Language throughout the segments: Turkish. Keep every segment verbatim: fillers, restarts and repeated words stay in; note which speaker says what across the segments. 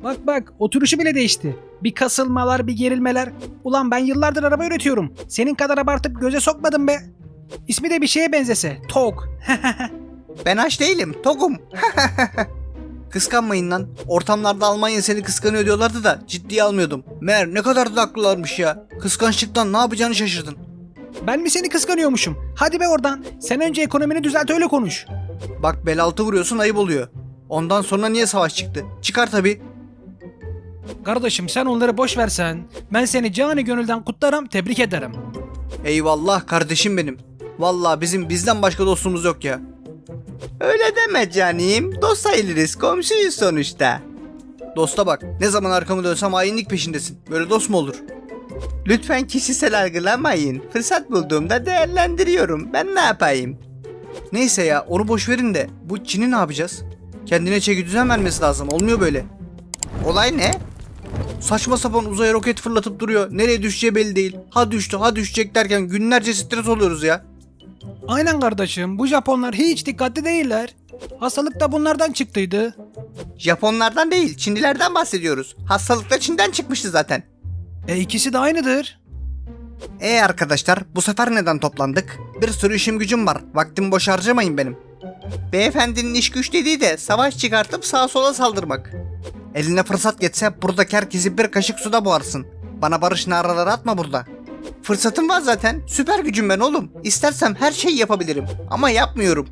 Speaker 1: Bak bak, oturuşu bile değişti. Bir kasılmalar, bir gerilmeler. Ulan ben yıllardır araba üretiyorum. Senin kadar abartıp göze sokmadım be. İsmi de bir şeye benzese. Tok.
Speaker 2: Ben aç değilim, tokum. Kıskanmayın lan. Ortamlarda Almanya seni kıskanıyor diyorlardı da ciddiye almıyordum. Meğer ne kadar da haklılarmış ya. Kıskançlıktan ne yapacağını şaşırdın.
Speaker 1: Ben mi seni kıskanıyormuşum? Hadi be oradan. Sen önce ekonomini düzelt, öyle konuş.
Speaker 2: Bak bel altı vuruyorsun, ayıp oluyor. Ondan sonra niye savaş çıktı? Çıkar tabi.
Speaker 1: Kardeşim sen onları boş versen. Ben seni canı gönülden kutlarım, tebrik ederim.
Speaker 2: Eyvallah kardeşim benim. Vallahi bizim bizden başka dostumuz yok ya. Öyle deme canım. Dost sayılırız, komşuyuz sonuçta. Dosta bak, ne zaman arkamı dönsem hainlik peşindesin. Böyle dost mu olur? Lütfen kişisel algılamayın. Fırsat bulduğumda değerlendiriyorum. Ben ne yapayım? Neyse ya, onu boş verin de bu Çin'i ne yapacağız? Kendine çeki düzen vermesi lazım. Olmuyor böyle. Olay ne? Saçma sapan uzaya roket fırlatıp duruyor. Nereye düşeceği belli değil. Ha düştü ha düşecek derken günlerce stres oluyoruz ya.
Speaker 1: Aynen kardeşim, bu Japonlar hiç dikkatli değiller. Hastalık da bunlardan çıktıydı.
Speaker 2: Japonlardan değil, Çinlilerden bahsediyoruz. Hastalık da Çin'den çıkmıştı zaten.
Speaker 1: E ikisi de aynıdır.
Speaker 2: E arkadaşlar, bu sefer neden toplandık? Bir sürü işim gücüm var. Vaktimi boş harcamayın benim. Beyefendinin iş güç dediği de savaş çıkartıp sağa sola saldırmak. Eline fırsat geçse buradaki herkesi bir kaşık suda boğarsın. Bana barış naraları atma burada. Fırsatım var zaten. Süper gücüm ben oğlum. İstersem her şeyi yapabilirim. Ama yapmıyorum.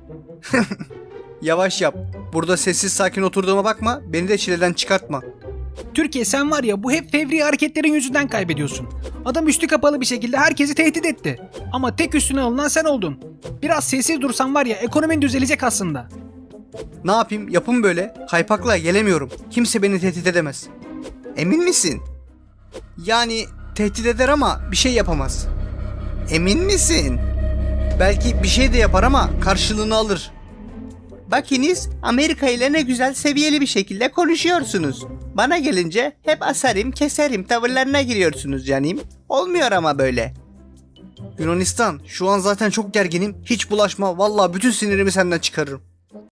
Speaker 2: Yavaş yap. Burada sessiz sakin oturduğuma bakma. Beni de çileden çıkartma.
Speaker 1: Türkiye, sen var ya, bu hep fevri hareketlerin yüzünden kaybediyorsun. Adam üstü kapalı bir şekilde herkesi tehdit etti. Ama tek üstüne alınan sen oldun. Biraz sessiz dursan var ya, ekonomin düzelecek aslında.
Speaker 2: Ne yapayım? Yapım böyle. Kaypakla gelemiyorum. Kimse beni tehdit edemez. Emin misin? Yani tehdit eder ama bir şey yapamaz. Emin misin? Belki bir şey de yapar ama karşılığını alır. Bakiniz, Amerika ile ne güzel seviyeli bir şekilde konuşuyorsunuz. Bana gelince hep asarım keserim tavırlarına giriyorsunuz canım. Olmuyor ama böyle. Yunanistan, şu an zaten çok gerginim. Hiç bulaşma, vallahi bütün sinirimi senden çıkarırım.